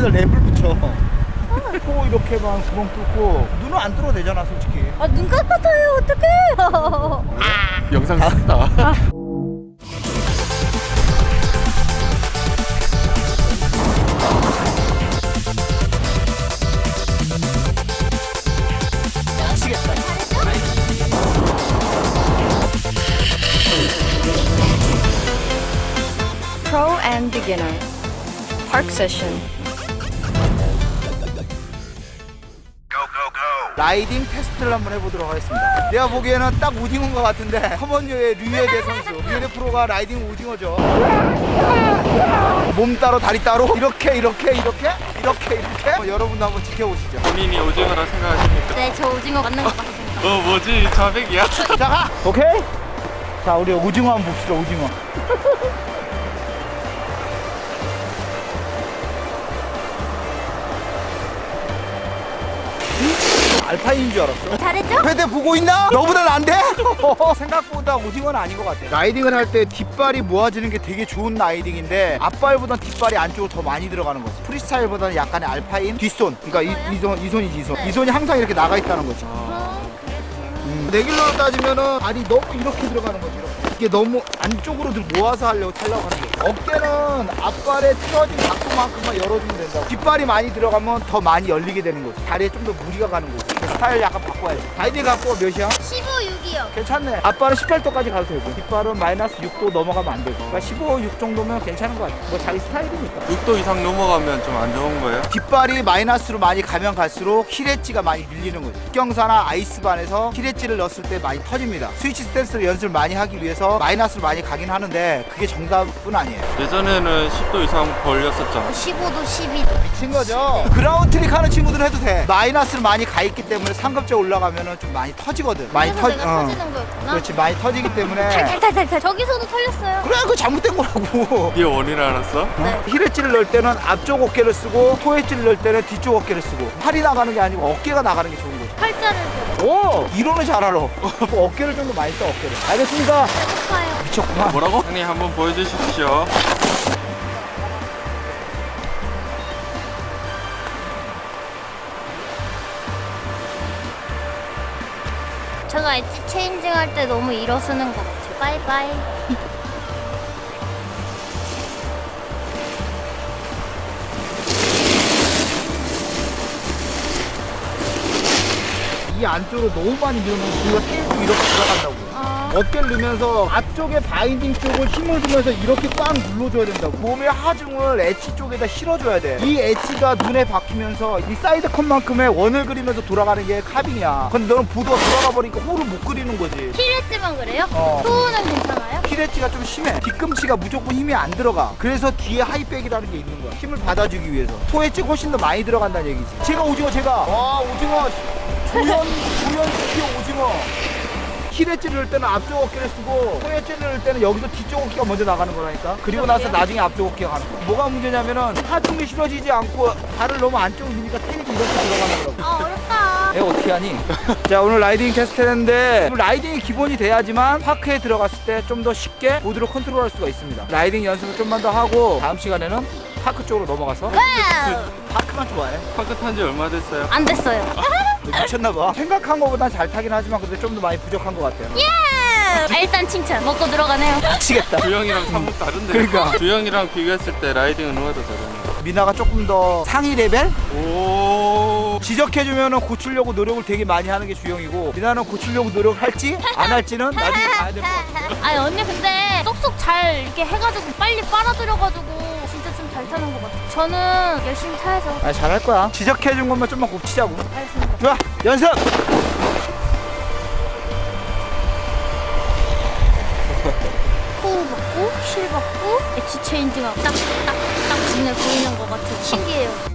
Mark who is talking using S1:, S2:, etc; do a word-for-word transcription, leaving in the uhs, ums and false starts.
S1: 여기다 랩을 붙여. 코 이렇게만 구멍 뚫고 눈은 안 뚫어도 되잖아 솔직히.
S2: 아, 눈 깜깜해요. 어떡해.
S3: 영상 샀다.
S1: 미치겠다.
S2: Pro and beginner. Park session.
S1: 라이딩 테스트를 한번 해보도록 하겠습니다. 내가 보기에는 딱 오징어인 것 같은데 커먼유의 류예대 선수, 류예대 프로가 라이딩 오징어죠. 몸 따로 다리 따로 이렇게 이렇게 이렇게 이렇게 이렇게 한번 여러분도 한번 지켜보시죠.
S3: 본인이 오징어라 생각하십니까?
S2: 네, 저 오징어 맞는 것 같습니다.
S3: 어 뭐지? 자백이야?
S1: 자 가! 오케이? 자 우리 오징어 한번 봅시다. 오징어. 알파인인 줄 알았어.
S2: 잘했죠?
S1: 패대 보고 있나? 너보다 안 돼? 생각보다 오징어는 아닌 것 같아. 라이딩을 할 때 뒷발이 모아지는 게 되게 좋은 라이딩인데 앞발보단 뒷발이 안쪽으로 더 많이 들어가는 거지. 프리스타일보다는 약간의 알파인 뒷손. 그러니까 이, 이, 손, 이 손이지 이 손. 이 손이 항상 이렇게 나가 있다는 거지. 음, 레귤러로 따지면은 발이 너무 이렇게 들어가는 거지. 이렇게. 이게 너무 안쪽으로 들 모아서 하려고 타려고 하는 거지. 어깨는 앞발에 틀어진 각도만큼만 열어주면 된다고. 뒷발이 많이 들어가면 더 많이 열리게 되는 거지. 다리에 좀 더 무리가 가는 거지. 스타일 약간 바꿔야지. 아이디 갖고 몇이야?
S2: 십오, 육이요.
S1: 괜찮네. 앞발은 십팔 도까지 가도 되고 뒷발은 마이너스 육 도 넘어가면 안 되고. 그러니까 십오, 육 정도면 괜찮은 것 같아. 뭐 자기 스타일이니까.
S3: 육 도 이상 넘어가면 좀 안 좋은 거예요?
S1: 뒷발이 마이너스로 많이 가면 갈수록 힐엣지가 많이 밀리는 거죠. 경사나 아이스반에서 힐엣지를 넣었을 때 많이 터집니다. 스위치 스탠스를 연습을 많이 하기 위해서 마이너스로 많이 가긴 하는데 그게 정답은 아니에요.
S3: 예전에는 십 도 이상 걸렸었잖아.
S2: 십오 도, 십이 도.
S1: 미친 거죠. 그라운드 트릭 하는 친구들은 해도 돼. 마이너스로 많이 가 있기 때문에 상급자 올라가면 좀 많이 터지거든. 많이
S2: 그래서
S1: 터
S2: 내가
S1: 어.
S2: 터지는 거였구나.
S1: 그렇지, 많이 터지기 때문에.
S2: 탈탈탈탈. 저기서도 털렸어요.
S1: 그래, 그거 잘못된 거라고.
S3: 이게 원인을 알았어?
S2: 네.
S1: 힐엣지를 넣을 때는 앞쪽 어깨를 쓰고 토엣지를 넣을 때는 뒤쪽 어깨를 쓰고 팔이 나가는 게 아니고 어깨가 나가는 게 좋은 거죠.
S2: 팔자를 들어.
S1: 오! 이론을 잘 알아. 어깨를 좀 더 많이 써, 어깨를. 알겠습니다.
S2: 배고파요.
S1: 미쳤구만.
S3: 뭐라고? 형님 한번 보여주십시오.
S2: 제가 엣지 체인징 할 때 너무 일어서는 것 같아요. 바이바이.
S1: 이 안쪽으로 너무 많이 넣으면 우리가 테이프 이렇게 들어간다고.
S2: 아,
S1: 어깨를 넣으면서 앞쪽에 바인딩 쪽을 힘을 주면서 이렇게 꽉 눌러줘야 된다고. 몸의 하중을 엣지 쪽에다 실어줘야 돼. 이 엣지가 눈에 박히면서 이 사이드 컷만큼의 원을 그리면서 돌아가는 게 카빙이야. 근데 너는 보드가 돌아가 버리니까 홀을 못 그리는 거지.
S2: 힐엣지만 그래요?
S1: 어.
S2: 소우는 괜찮아요?
S1: 힐엣지가 좀 심해. 뒤꿈치가 무조건 힘이 안 들어가. 그래서 뒤에 하이백이라는 게 있는 거야. 힘을 받아주기 위해서. 토엣지 훨씬 더 많이 들어간다는 얘기지. 제가 오징어 제가. 와 오징어. 조연 조연 스키어 오징어. 힐엣지를 넣을 때는 앞쪽 어깨를 쓰고 토엣지를 넣을 때는 여기서 뒤쪽 어깨가 먼저 나가는 거라니까. 그리고 나서 나중에 앞쪽 어깨가 가는 거야. 뭐가 문제냐면은 하중이 실어지지 않고 발을 너무 안쪽으로 미니까 테이프 이렇게 들어가는 거라고.
S2: 아, 어렵다.
S1: 내가 어떻게 하니? 자 오늘 라이딩 테스트 했는데 라이딩이 기본이 돼야지만 파크에 들어갔을 때 좀 더 쉽게 보드를 컨트롤할 수가 있습니다. 라이딩 연습을 좀만 더 하고 다음 시간에는 파크 쪽으로 넘어가서
S2: 와우.
S1: 파크만 좋아해.
S3: 파크 탄 지 얼마 됐어요?
S2: 안 됐어요.
S1: 미쳤나봐. 생각한 것보단 잘 타긴 하지만 근데 좀 더 많이 부족한 것 같아요.
S2: 예! 아, 일단 칭찬. 먹고 들어가네요.
S1: 미치겠다.
S3: 주영이랑 사뭇 다른데.
S1: 그러니까.
S3: 주영이랑 비교했을 때 라이딩은 누가 더 잘하냐?
S1: 미나가 조금 더 상위 레벨?
S3: 오.
S1: 지적해주면 고치려고 노력을 되게 많이 하는 게 주영이고 미나는 고치려고 노력할지 안 할지는 나중에 봐야 될 것 같아.
S2: 아니 언니 근데 쏙쏙 잘 이렇게 해가지고 빨리 빨아들여가지고 진짜 좀 잘 타는 것 같아. 저는 열심히 타야죠.
S1: 아 잘할 거야. 지적해준 것만 좀만 곱치자고.
S2: 알겠습니다.
S1: 좋아 연습!
S2: 호흡 받고 실 받고 엣지 체인징하고 딱딱딱 눈에 보이는 것 같아. 신기해요.